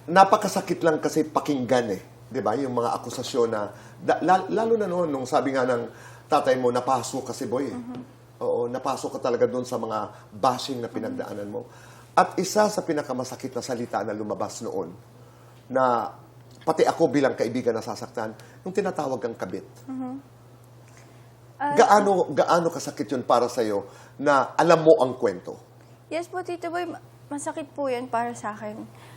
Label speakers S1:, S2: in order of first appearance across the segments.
S1: napakasakit lang kasi pakinggan eh. 'Di ba? Yung mga akusasyon na, lalo na noon, nung sabi nga ng tatay mo, napasok kasi boy eh. Oo, napasok ka talaga doon sa mga bashing na pinagdaanan mo. At isa sa pinakamasakit na salita na lumabas noon, na pati ako bilang kaibigan nasasaktan, yung tinatawag kang kabit. Gaano kasakit yun para sa'yo na alam mo ang kwento?
S2: Yes po, Tito Boy, masakit po yan para sa akin.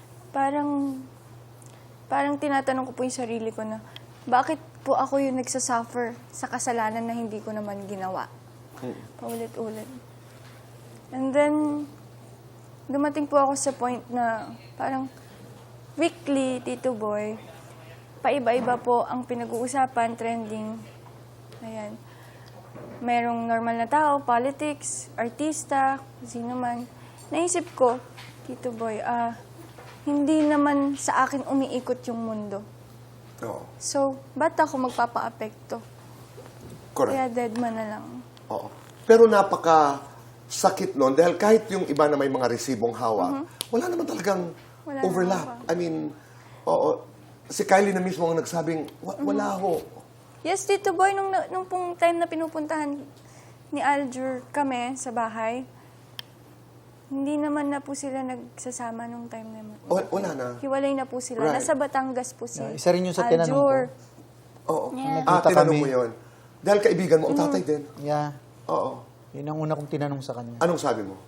S2: Parang tinatanong ko po yung sarili ko na, bakit po ako yung nagsasuffer sa kasalanan na hindi ko naman ginawa? Paulit-ulit. And then, dumating po ako sa point na parang weekly, Tito Boy, paiba-iba po ang pinag-uusapan, trending. Ayan. Merong normal na tao, politics, artista, sino man. Naisip ko, Tito Boy, hindi naman sa akin umiikot yung mundo.
S1: Oo.
S2: So, ba't ako magpapa-apekto?
S1: Correct.
S2: Kaya deadman na lang.
S1: Oo. Pero napaka-sakit nun dahil kahit yung iba na may mga resibong hawak, wala naman talagang
S2: Wala
S1: overlap.
S2: naman
S1: I mean, oo, si Kylie na mismo ang nagsabing, wala ho.
S2: Yes, Tito Boy, nung pong time na pinupuntahan ni Aljur kami sa bahay, hindi naman na po sila nagsasama nung time na yun.
S1: Wala na.
S2: Hiwalay na po sila.
S1: Right.
S2: Nasa Batangas po si
S3: Isa rin yung sa tinanong ko.
S2: Aljur.
S1: Oo.
S2: Yeah.
S3: Nagkita
S1: Tinanong
S3: kami.
S1: mo yun. Dahil kaibigan mo, ang tatay din.
S3: Yeah.
S1: Oo.
S3: Yun ang una kong tinanong sa kanya.
S1: Anong sabi mo?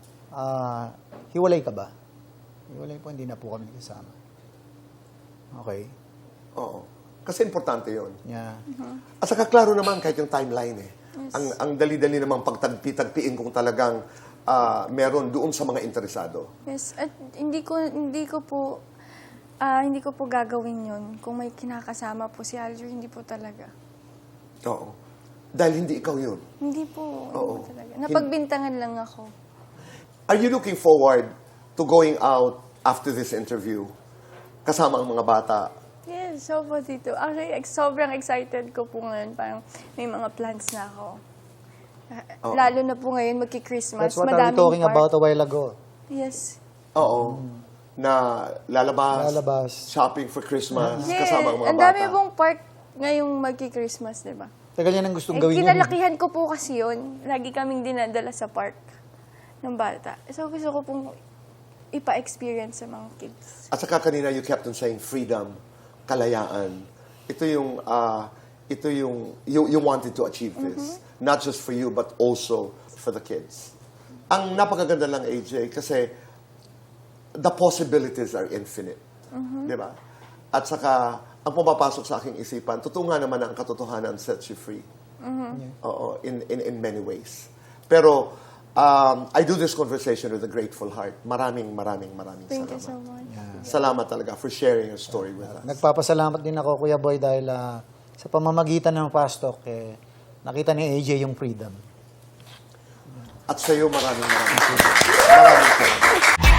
S3: Hiwalay ka ba? Hiwalay po, hindi na po kami kasama. Okay.
S1: Oo. Kasi importante yun.
S3: Yeah.
S1: At saka klaro naman kahit yung timeline eh. Ang dali-dali namang pagtagpi-tagpiin kung talagang meron doon sa mga interesado.
S2: Yes, at hindi ko po gagawin yun kung may kinakasama po si Aljur, hindi po talaga.
S1: Oo. Dahil hindi ikaw yun.
S2: Hindi po, hindi
S1: Oo.
S2: po talaga. Napagbintangan lang ako.
S1: Are you looking forward to going out after this interview kasama ang mga bata?
S2: Yes, so po dito. Actually, sobrang excited ko po ngayon. Parang may mga plans na ako. Lalo na po ngayon, magki-Christmas.
S3: That's what I was talking about a while ago.
S2: Yes.
S1: Oo. Na lalabas, shopping for Christmas, kasama ang mga
S2: Ang
S1: bata.
S2: dami pong park ngayong magki-Christmas, di ba?
S3: Tagal niya nang gustong
S2: Eh,
S3: gawin yun.
S2: kinalakihan ko po kasi yun. Lagi kaming dinadala sa park ng bata. So, gusto ko pong ipa-experience sa mga kids.
S1: At saka kanina you kept on saying freedom, kalayaan. Ito yung you wanted to achieve this. Not just for you, but also for the kids. Ang napakaganda lang, AJ, kasi the possibilities are infinite. Di ba? At saka, ang pumapasok sa aking isipan, totoo nga naman ang katotohanan sets you free. Oo, in many ways. Pero, I do this conversation with a grateful heart. Maraming
S2: Thank you
S1: salamat.
S2: so much.
S1: Salamat talaga for sharing your story with us.
S3: Nagpapasalamat din ako, Kuya Boy, dahil sa pamamagitan ng pastok, nakita ni AJ yung freedom.
S1: At sa iyo, maraming salamat.